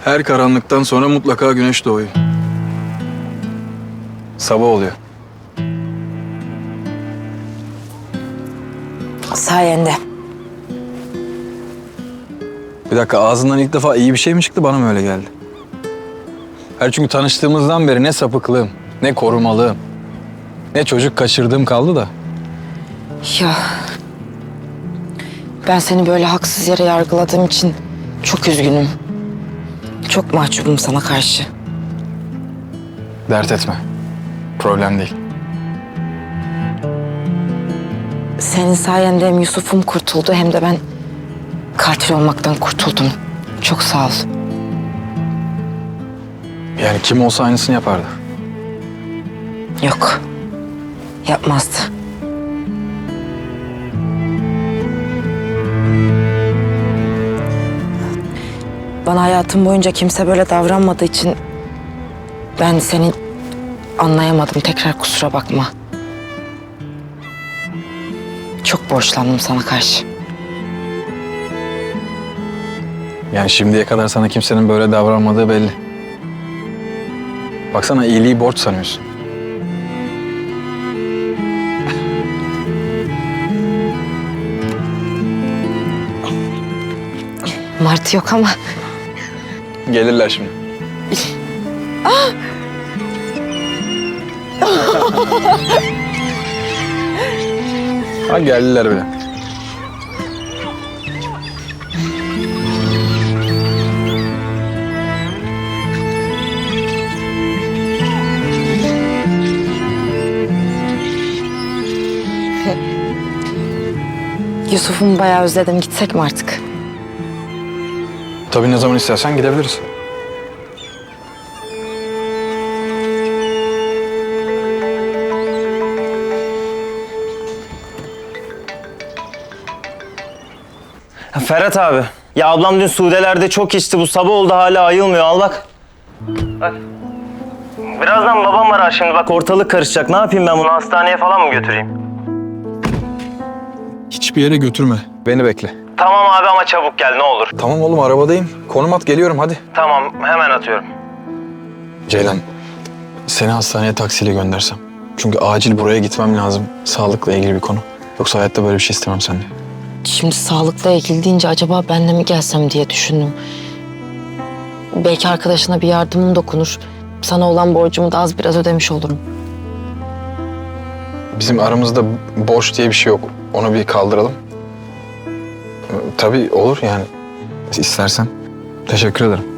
Her karanlıktan sonra mutlaka güneş doğuyor. Sabah oluyor. Sayende. Bir dakika, ağzından ilk defa iyi bir şey mi çıktı, bana mı öyle geldi? Çünkü tanıştığımızdan beri ne sapıklığım, ne korumalığım, ne çocuk kaçırdığım kaldı da. Ya ben seni böyle haksız yere yargıladığım için çok üzgünüm. Çok mahcubum sana karşı. Dert etme. Problem değil. Senin sayende hem Yusuf'um kurtuldu hem de ben katil olmaktan kurtuldum. Çok sağ ol. Yani kim olsa aynısını yapardı. Yok. Yapmazdı. Bana hayatım boyunca kimse böyle davranmadığı için ben seni anlayamadım. Tekrar kusura bakma. Çok borçlandım sana karşı. Yani şimdiye kadar sana kimsenin böyle davranmadığı belli. Baksana, iyiliği borç sanıyorsun. Martı yok ama Gelirler şimdi. Ha, geldiler bile. Yusuf'umu bayağı özledim. Gitsek mi artık? Tabii, ne zaman istersen gidebiliriz. Ferhat abi. Ya ablam dün Sude'lerde çok içti. Bu sabah oldu hala ayılmıyor. Al bak. Bak. Birazdan babam arar şimdi. Bak ortalık karışacak. Ne yapayım ben bunu? Hastaneye falan mı götüreyim? Hiçbir yere götürme. Beni bekle. Tamam abi ama çabuk gel ne olur. Tamam oğlum, arabadayım. Konum at, geliyorum hadi. Tamam hemen atıyorum. Ceylan, seni hastaneye taksiyle göndersem. Çünkü acil buraya gitmem lazım. Sağlıkla ilgili bir konu. Yoksa hayatta böyle bir şey istemem senden. Şimdi sağlıkla ilgili deyince acaba ben de mi gelsem diye düşündüm. Belki arkadaşına bir yardımım dokunur. Sana olan borcumu da az biraz ödemiş olurum. Bizim aramızda borç diye bir şey yok. Onu bir kaldıralım. Tabii olur yani. İstersen. Teşekkür ederim.